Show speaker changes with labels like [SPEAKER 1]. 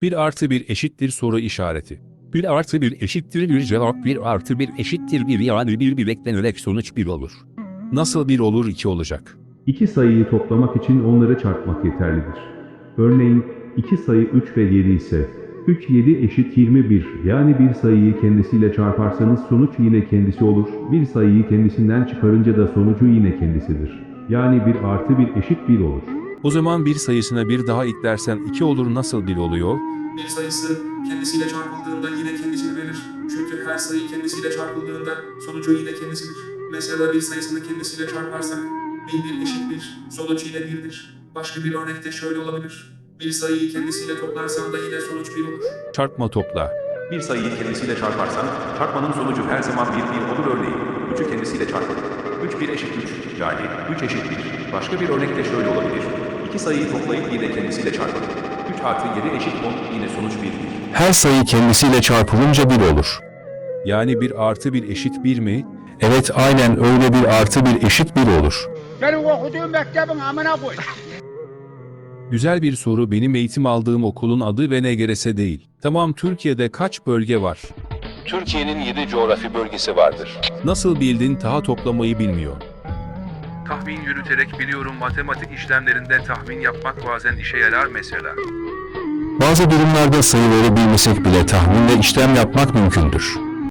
[SPEAKER 1] 1 artı 1 eşittir soru işareti. 1 artı 1 eşittir bir cevap, 1 artı 1 eşittir 1, yani bir beklenerek sonuç 1 olur. Nasıl 1 olur 2 olacak?
[SPEAKER 2] İki sayıyı toplamak için onları çarpmak yeterlidir. Örneğin, iki sayı 3 ve 7 ise, 3 7 eşit 21, yani bir sayıyı kendisiyle çarparsanız sonuç yine kendisi olur, bir sayıyı kendisinden çıkarınca da sonucu yine kendisidir. Yani 1 artı 1 eşit 1 olur.
[SPEAKER 1] O zaman bir sayısına bir daha eklersen 2 olur, nasıl 1 oluyor?
[SPEAKER 3] Bir sayısı kendisiyle çarpıldığında yine kendisini verir. Çünkü her sayı kendisiyle çarpıldığında sonucu yine kendisidir. Mesela bir sayısını kendisiyle çarparsak 1 eşit 1, sonuç yine 1'dir. Başka bir örnekte şöyle olabilir. Bir sayıyı kendisiyle toplarsan da yine sonuç 1 olur.
[SPEAKER 1] Çarpma topla.
[SPEAKER 4] Bir sayıyı kendisiyle çarparsan, çarpmanın sonucu her zaman 1 olur örneğin. 3'ü kendisiyle çarpın. 3 1 eşit 3, yani 3 eşit 1. Başka bir örnekte şöyle olabilir. İki sayıyı toplayıp yine kendisiyle çarpın. 3 artı 7 eşit 10, yine sonuç 1'dir.
[SPEAKER 5] Her sayı kendisiyle çarpılınca 1 olur.
[SPEAKER 1] Yani 1 artı 1 eşit 1 mi?
[SPEAKER 5] Evet, aynen öyle, 1 artı 1 eşit 1 olur.
[SPEAKER 6] Benim okuduğum mektebin amına koy.
[SPEAKER 1] Güzel bir soru. Benim eğitim aldığım okulun adı VNGRS değil. Tamam, Türkiye'de kaç bölge var?
[SPEAKER 5] Türkiye'nin 7 coğrafi bölgesi vardır.
[SPEAKER 1] Nasıl bildin? Taha toplamayı bilmiyor.
[SPEAKER 7] Tahmin yürüterek biliyorum, matematik işlemlerinde tahmin yapmak bazen işe yarar mesela.
[SPEAKER 5] Bazı durumlarda sayıları bilmesek bile tahminle işlem yapmak mümkündür.